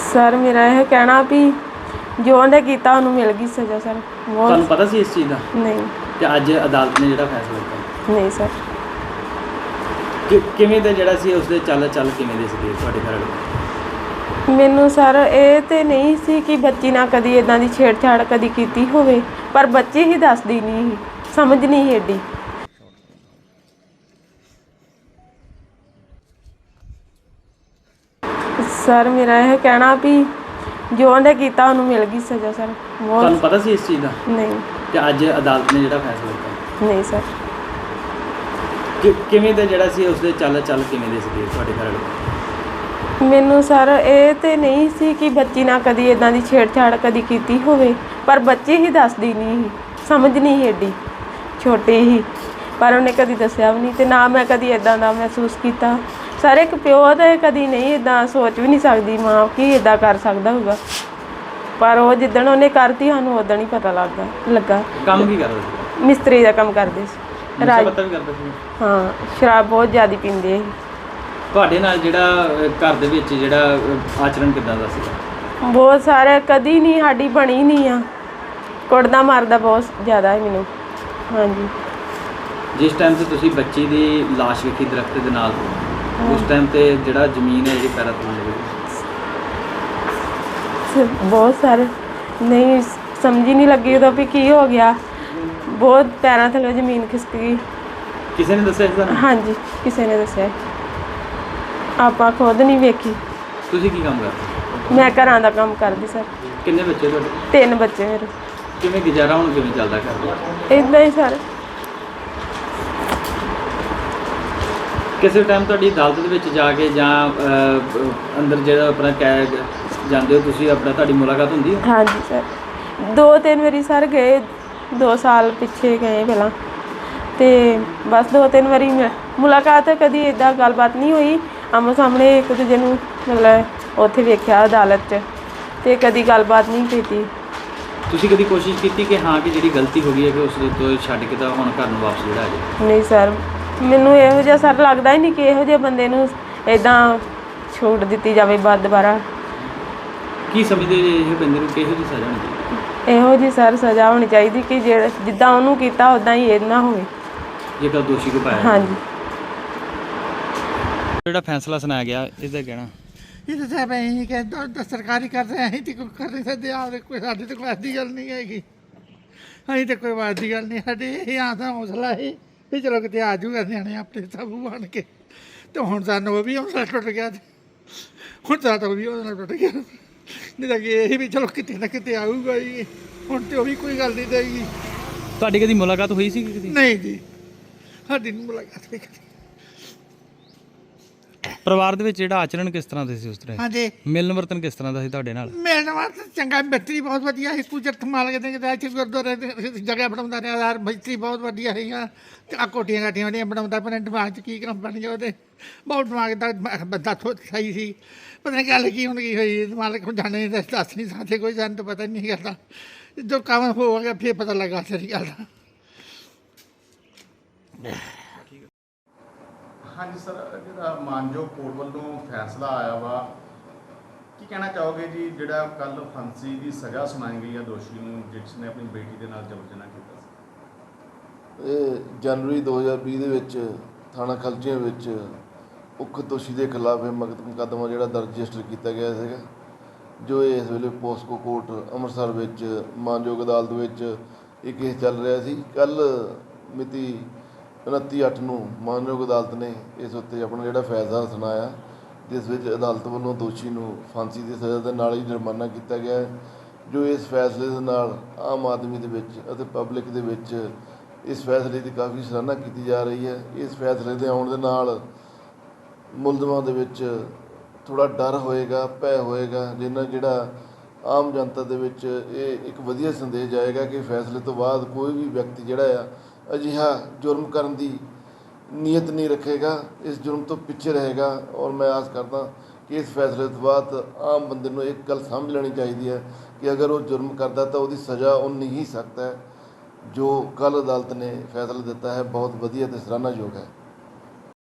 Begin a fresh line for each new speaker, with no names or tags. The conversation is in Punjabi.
ਸਰ ਮੇਰਾ ਇਹ ਕਹਿਣਾ ਵੀ ਜੋ ਉਹਨੇ ਕੀਤਾ ਉਹਨੂੰ ਮਿਲ ਗਈ ਸਜ਼ਾ ਸਰ।
ਤੁਹਾਨੂੰ ਪਤਾ ਸੀ ਇਸ ਚੀਜ਼ ਦਾ?
ਨਹੀਂ।
ਤੇ ਅੱਜ ਅਦਾਲਤ ਨੇ ਜਿਹੜਾ ਫੈਸਲਾ ਦਿੱਤਾ?
ਨਹੀਂ ਸਰ।
ਕਿਵੇਂ ਦਾ ਜਿਹੜਾ ਸੀ ਉਸਦੇ ਚੱਲ ਕਿਵੇਂ ਦੇ ਸੀਗੇ ਤੁਹਾਡੇ ਘਰ ਵਾਲੇ?
ਮੈਨੂੰ ਸਰ ਇਹ ਤੇ ਨਹੀਂ ਸੀ ਕਿ ਬੱਚੀ ਨਾਲ ਕਦੀ ਇਦਾਂ ਦੀ ਛੇੜਛਾੜ ਕਦੀ ਕੀਤੀ ਹੋਵੇ, ਪਰ ਬੱਚੀ ਹੀ ਦੱਸਦੀ ਨਹੀਂ ਸੀ, ਸਮਝ ਨਹੀਂ ਸੀ ਏਡੀ। ਸਰ ਮੇਰਾ ਇਹ ਕਹਿਣਾ ਵੀ ਜੋ ਉਹਨੇ ਕੀਤਾ ਉਹਨੂੰ ਮਿਲ ਗਈ ਸਜ਼ਾ ਸਰ।
ਤੁਹਾਨੂੰ ਪਤਾ ਸੀ ਇਸ ਚੀਜ਼ ਦਾ?
ਨਹੀਂ।
ਤੇ ਅੱਜ ਅਦਾਲਤ ਨੇ ਜਿਹੜਾ ਫੈਸਲਾ ਦਿੱਤਾ?
ਨਹੀਂ ਸਰ।
ਕਿਵੇਂ ਦਾ ਜਿਹੜਾ ਸੀ ਉਸਦੇ ਚੱਲ ਕਿਵੇਂ ਦੇ ਸੀਗੇ ਤੁਹਾਡੇ ਘਰ ਵਾਲੇ?
ਮੈਨੂੰ ਸਰ ਇਹ ਤੇ ਨਹੀਂ ਸੀ ਕਿ ਬੱਚੀ ਨਾਲ ਕਦੀ ਇਦਾਂ ਦੀ ਛੇੜਛਾੜ ਕਦੀ ਕੀਤੀ ਹੋਵੇ, ਪਰ ਬੱਚੀ ਹੀ ਦੱਸਦੀ ਨਹੀਂ ਸੀ, ਸਮਝ ਨਹੀਂ ਸੀ ਏਡੀ, ਛੋਟੀ ਹੀ, ਪਰ ਉਹਨੇ ਕਦੀ ਦੱਸਿਆ ਵੀ ਨਹੀਂ ਤੇ ਨਾ ਮੈਂ ਕਦੀ ਇਦਾਂ ਦਾ ਮਹਿਸੂਸ ਕੀਤਾ। ਸਰ ਇੱਕ ਪਿਓ ਤਾਂ ਕਦੀ ਨਹੀਂ ਇਦਾਂ ਸੋਚ ਵੀ ਨਹੀਂ ਸਕਦੀ ਮਾਂ ਕਿ ਇਦਾਂ ਕਰ ਸਕਦਾ ਹੋਊਗਾ, ਪਰ ਉਹ ਜਿੱਦਣ ਉਹਨੇ ਕਰਤੀ ਸਾਨੂੰ ਉਦੋਂ ਹੀ ਪਤਾ ਲੱਗਾ।
ਕੰਮ ਕੀ ਕਰਦਾ ਸੀ?
ਮਿਸਤਰੀ ਦਾ ਕੰਮ ਕਰਦੇ ਸੀ।
ਨਸ਼ਾ ਪੱਤਾ ਵੀ ਕਰਦਾ ਸੀ?
ਹਾਂ, ਸ਼ਰਾਬ ਬਹੁਤ ਜ਼ਿਆਦਾ ਪੀਂਦੇ ਸੀ।
ਤੁਹਾਡੇ ਨਾਲ ਜਿਹੜਾ ਘਰ ਦੇ ਵਿੱਚ ਜਿਹੜਾ ਆਚਰਣ ਕਿੱਦਾਂ ਦਾ ਸੀਗਾ?
ਬਹੁਤ ਸਾਰੇ, ਕਦੀ ਨਹੀਂ ਸਾਡੀ ਬਣੀ ਨਹੀਂ ਆ, ਕੁੱਟਦਾ ਮਾਰਦਾ ਬਹੁਤ ਜ਼ਿਆਦਾ ਹੈ ਮੈਨੂੰ। ਹਾਂਜੀ।
ਜਿਸ ਟਾਈਮ ਤੇ ਤੁਸੀਂ ਬੱਚੀ ਦੀ ਲਾਸ਼ ਵੇਖੀ ਦਰਖਤ ਦੇ ਨਾਲ, ਉਸ ਟਾਈਮ ਤੇ ਜਿਹੜਾ ਜ਼ਮੀਨ ਹੈ ਜਿਹੜੀ ਪੈਰਾਂ ਥੱਲੇ ਲੱਗੀ?
ਬਹੁਤ ਸਾਰੇ ਨਹੀਂ, ਸਮਝ ਹੀ ਨਹੀਂ ਲੱਗੀ ਉਦੋਂ ਵੀ ਕੀ ਹੋ ਗਿਆ, ਬਹੁਤ ਪੈਰਾਂ ਥੱਲੇ ਜ਼ਮੀਨ ਖਿਸਕ ਗਈ।
ਕਿਸੇ ਨੇ ਦੱਸਿਆ ਤੁਹਾਨੂੰ?
ਹਾਂਜੀ, ਕਿਸੇ ਨੇ ਦੱਸਿਆ, ਆਪਾਂ ਖੁਦ ਨਹੀਂ ਵੇਖੀ।
ਤੁਸੀਂ ਕੀ ਕੰਮ ਕਰਦੇ?
ਮੈਂ ਘਰਾਂ ਦਾ ਕੰਮ ਕਰਦੀ ਸਰ।
ਕਿੰਨੇ ਬੱਚੇ ਤੁਹਾਡੇ?
3 ਬੱਚੇ ਮੇਰੇ।
ਕਿਵੇਂ ਗੁਜ਼ਾਰਾ ਹੁਣ ਕਿਵੇਂ ਚੱਲਦਾ ਘਰ?
ਇੱਦਾਂ ਹੀ ਸਰ।
ਕਿਸੇ ਟਾਈਮ ਤੁਹਾਡੀ ਅਦਾਲਤ ਦੇ ਵਿੱਚ ਜਾ ਕੇ ਜਾਂ ਅੰਦਰ ਜਿਹੜਾ ਆਪਣਾ ਕਹਿ ਜਾਂਦੇ ਹੋ ਤੁਸੀਂ, ਆਪਣਾ ਤੁਹਾਡੀ ਮੁਲਾਕਾਤ ਹੁੰਦੀ ਹੈ?
ਹਾਂਜੀ ਸਰ, 2-3 ਵਾਰੀ ਸਰ ਗਏ, 2 ਸਾਲ ਪਿੱਛੇ ਗਏ ਪਹਿਲਾਂ, ਤੇ ਬਸ 2-3 ਵਾਰੀ ਮੁਲਾਕਾਤ, ਕਦੀ ਇੱਦਾਂ ਗੱਲਬਾਤ ਨਹੀਂ ਹੋਈ ਆਮੋ ਸਾਹਮਣੇ ਇੱਕ ਦੂਜੇ ਨੂੰ, ਮਤਲਬ ਉੱਥੇ ਵੇਖਿਆ ਅਦਾਲਤ 'ਚ, ਤੇ ਕਦੀ ਗੱਲਬਾਤ ਨਹੀਂ ਕੀਤੀ।
ਤੁਸੀਂ ਕਦੀ ਕੋਸ਼ਿਸ਼ ਕੀਤੀ ਕਿ ਹਾਂ ਕਿ ਜਿਹੜੀ ਗਲਤੀ ਹੋ ਗਈ ਹੈ ਕਿ ਉਸ ਤੋਂ ਛੱਡ ਕੇ ਤਾਂ ਹੁਣ ਘਰ ਨੂੰ ਵਾਪਸ ਜਿਹੜਾ ਆ ਜਾਏ?
ਨਹੀਂ ਸਰ, ਮੈਨੂੰ ਇਹੋ ਜਿਹਾ ਸਰ ਲੱਗਦਾ ਹੀ ਨਹੀਂ ਕਿ ਇਹੋ ਜਿਹੇ ਬੰਦੇ ਨੂੰ ਇੱਦਾਂ ਛੂਟ ਦਿੱਤੀ ਜਾਵੇ ਦੁਬਾਰਾ।
ਕੀ ਸਮਝਦੇ ਜੇ ਇਹ ਬੰਦੇ ਨੂੰ ਕਿਹੋ ਜਿਹੀ ਸਜ਼ਾ ਹੋਣੀ ਚਾਹੀਦੀ?
ਇਹੋ ਜਿਹੀ ਸਰ ਸਜ਼ਾ ਹੋਣੀ ਚਾਹੀਦੀ ਕਿ ਜਿੱਦਾਂ ਉਹਨੂੰ ਕੀਤਾ ਉੱਦਾਂ ਹੀ ਇਹ ਨਾ ਹੋਵੇ,
ਜੇਕਰ ਦੋਸ਼ੀ ਕੋ ਪਾਇਆ।
ਹਾਂਜੀ।
ਜਿਹੜਾ ਫੈਸਲਾ ਸੁਣਾਇਆ ਗਿਆ ਇਹਦਾ ਕਹਿਣਾ?
ਇਹ ਤਾਂ ਸਾਹਿਬ ਅਸੀਂ ਕਿ ਸਰਕਾਰੀ ਕਰ ਰਹੇ, ਅਸੀਂ ਤੇ ਕੋਈ ਕਰ ਨਹੀਂ ਸਕਦੇ। ਆਪ ਕੋਈ ਸਾਡੀ ਤਾਂ ਕੋਈ ਐਸੀ ਗੱਲ ਨਹੀਂ ਹੈਗੀ, ਅਸੀਂ ਤਾਂ ਕੋਈ ਵਾਦ ਦੀ ਗੱਲ ਨਹੀਂ। ਸਾਡੇ ਇਹ ਆਸਾਂ ਹੌਸਲਾ ਸੀ ਵੀ ਚਲੋ ਕਿਤੇ ਆ ਜੂਗਾ ਨਿਆਣੇ ਆਪਣੇ ਸਭੂ ਬਣ ਕੇ, ਤੇ ਹੁਣ ਸਾਨੂੰ ਉਹ ਵੀ ਹੌਸਲਾ ਟੁੱਟ ਗਿਆ, ਹੁਣ ਸਾਡਾ ਉਹ ਵੀ ਹੌਸਲਾ ਟੁੱਟ ਗਿਆ। ਨਹੀਂ ਤਾਂ ਕਿ ਇਹ ਵੀ ਚਲੋ ਕਿਤੇ ਨਾ ਕਿਤੇ ਆਊਗਾ ਜੀ, ਹੁਣ ਤੇ ਉਹ ਵੀ ਕੋਈ ਗੱਲ ਨਹੀਂ ਦੇਗੀ।
ਤੁਹਾਡੀ ਕਦੀ ਮੁਲਾਕਾਤ ਹੋਈ ਸੀ ਕਦੀ?
ਨਹੀਂ ਜੀ, ਸਾਡੀ ਨਹੀਂ ਮੁਲਾਕਾਤ ਹੋਈ ਕਦੀ।
ਪਰਿਵਾਰ ਦੇ ਵਿੱਚ ਜਿਹੜਾ ਆਚਰਣ ਕਿਸ ਤਰ੍ਹਾਂ ਦੇ ਸੀ ਉਸ ਤਰ੍ਹਾਂ?
ਹਾਂਜੀ।
ਮਿਲਣ ਵਰਤਨ ਕਿਸ ਤਰ੍ਹਾਂ ਦਾ ਸੀ ਤੁਹਾਡੇ ਨਾਲ?
ਮਿਲਣ ਵਾਸਤੇ ਚੰਗਾ, ਮਿਸਤਰੀ ਬਹੁਤ ਵਧੀਆ ਸੀ। ਕੁਜਰਤ ਮਾਲ ਕੇ ਇੱਥੇ ਗੁਰਦੁਆਰੇ ਜਗ੍ਹਾ ਬਣਾਉਂਦਾ ਰਿਹਾ ਯਾਰ, ਮਿਸਤਰੀ ਬਹੁਤ ਵਧੀਆ ਸੀਗਾ। ਤੇ ਆ ਕੋਠੀਆਂ ਕਾਠੀਆਂ ਜਿਹੜੀਆਂ ਬਣਾਉਂਦਾ, ਪਰ ਦਿਮਾਗ 'ਚ ਕੀ ਕੰਮ ਬਣ ਗਿਆ ਉਹਦੇ, ਬਹੁਤ ਦਿਮਾਗ ਦਾ ਬੰਦਾ ਸਹੀ ਸੀ। ਪਤਾ ਨਹੀਂ ਗੱਲ ਕੀ ਹੁਣ ਕੀ ਹੋਈ, ਮਾਲਕ ਹੁਣ ਜਾਣੇ ਦੱਸ ਨਹੀਂ ਸਕਦੇ, ਕੋਈ ਸਾਨੂੰ ਤਾਂ ਪਤਾ ਨਹੀਂ ਕਰਦਾ। ਜੋ ਕੰਮ ਹੋ ਗਿਆ ਫਿਰ ਪਤਾ ਲੱਗਾ ਸਾਰੀ ਗੱਲ ਦਾ।
ਹਾਂਜੀ ਸਰ, ਜਿਹੜਾ ਮਾਨਯੋਗ ਕੋਰਟ ਵੱਲੋਂ ਫੈਸਲਾ ਆਇਆ ਵਾ, ਕੀ ਕਹਿਣਾ ਚਾਹੋਗੇ ਜੀ? ਜਿਹੜਾ ਕੱਲ੍ਹ ਫਾਂਸੀ ਦੀ ਸਜ਼ਾ ਸੁਣਾਈ ਗਈ ਹੈ ਦੋਸ਼ੀ ਨੂੰ ਜਿਸ ਨੇ ਆਪਣੀ ਬੇਟੀ ਦੇ ਨਾਲ ਜ਼ਬਰ ਜਨਾਹ ਕੀਤਾ ਸੀ?
ਇਹ ਜਨਵਰੀ 2020 ਦੇ ਵਿੱਚ ਥਾਣਾ ਖਲਚੀਆਂ ਵਿੱਚ ਉਕਤ ਦੋਸ਼ੀ ਦੇ ਖਿਲਾਫ ਇਹ ਮੁਕੱਦਮਾ ਜਿਹੜਾ ਦਰਜ ਰਜਿਸਟਰ ਕੀਤਾ ਗਿਆ ਸੀਗਾ, ਜੋ ਇਸ ਵੇਲੇ ਪੋਸਕੋ ਕੋਰਟ ਅੰਮ੍ਰਿਤਸਰ ਵਿੱਚ ਮਾਨਯੋਗ ਅਦਾਲਤ ਵਿੱਚ ਇਹ ਕੇਸ ਚੱਲ ਰਿਹਾ ਸੀ। ਕੱਲ੍ਹ ਮਿਤੀ 29/8 ਨੂੰ ਮਾਨਯੋਗ ਅਦਾਲਤ ਨੇ ਇਸ ਉੱਤੇ ਆਪਣਾ ਜਿਹੜਾ ਫੈਸਲਾ ਸੁਣਾਇਆ, ਜਿਸ ਵਿੱਚ ਅਦਾਲਤ ਵੱਲੋਂ ਦੋਸ਼ੀ ਨੂੰ ਫਾਂਸੀ ਦੀ ਸਜ਼ਾ ਦੇ ਨਾਲ ਹੀ ਜੁਰਮਾਨਾ ਕੀਤਾ ਗਿਆ ਹੈ, ਜੋ ਇਸ ਫੈਸਲੇ ਦੇ ਨਾਲ ਆਮ ਆਦਮੀ ਦੇ ਵਿੱਚ ਅਤੇ ਪਬਲਿਕ ਦੇ ਵਿੱਚ ਇਸ ਫੈਸਲੇ ਦੀ ਕਾਫੀ ਸਰਾਹਨਾ ਕੀਤੀ ਜਾ ਰਹੀ ਹੈ। ਇਸ ਫੈਸਲੇ ਦੇ ਆਉਣ ਦੇ ਨਾਲ ਮੁਲਜ਼ਮਾਂ ਦੇ ਵਿੱਚ ਥੋੜ੍ਹਾ ਡਰ ਹੋਏਗਾ, ਭੈ ਹੋਏਗਾ, ਜਿੰਨਾ ਜਿਹੜਾ ਆਮ ਜਨਤਾ ਦੇ ਵਿੱਚ ਇਹ ਇੱਕ ਵਧੀਆ ਸੰਦੇਸ਼ ਜਾਏਗਾ ਕਿ ਫੈਸਲੇ ਤੋਂ ਬਾਅਦ ਕੋਈ ਵੀ ਵਿਅਕਤੀ ਜਿਹੜਾ ਆ ਅਜਿਹਾ ਜੁਰਮ ਕਰਨ ਦੀ ਨੀਅਤ ਨਹੀਂ ਰੱਖੇਗਾ, ਇਸ ਜੁਰਮ ਤੋਂ ਪਿੱਛੇ ਰਹੇਗਾ। ਔਰ ਮੈਂ ਆਸ ਕਰਦਾ ਕਿ ਇਸ ਫੈਸਲੇ ਤੋਂ ਬਾਅਦ ਆਮ ਬੰਦੇ ਨੂੰ ਇੱਕ ਗੱਲ ਸਮਝ ਲੈਣੀ ਚਾਹੀਦੀ ਹੈ ਕਿ ਅਗਰ ਉਹ ਜੁਰਮ ਕਰਦਾ ਤਾਂ ਉਹਦੀ ਸਜ਼ਾ ਉਨੀ ਹੀ ਸਖਤ ਹੈ। ਜੋ ਕੱਲ੍ਹ ਅਦਾਲਤ ਨੇ ਫੈਸਲਾ ਦਿੱਤਾ ਹੈ ਬਹੁਤ ਵਧੀਆ ਅਤੇ ਸਰਾਹਨਾਯੋਗ ਹੈ।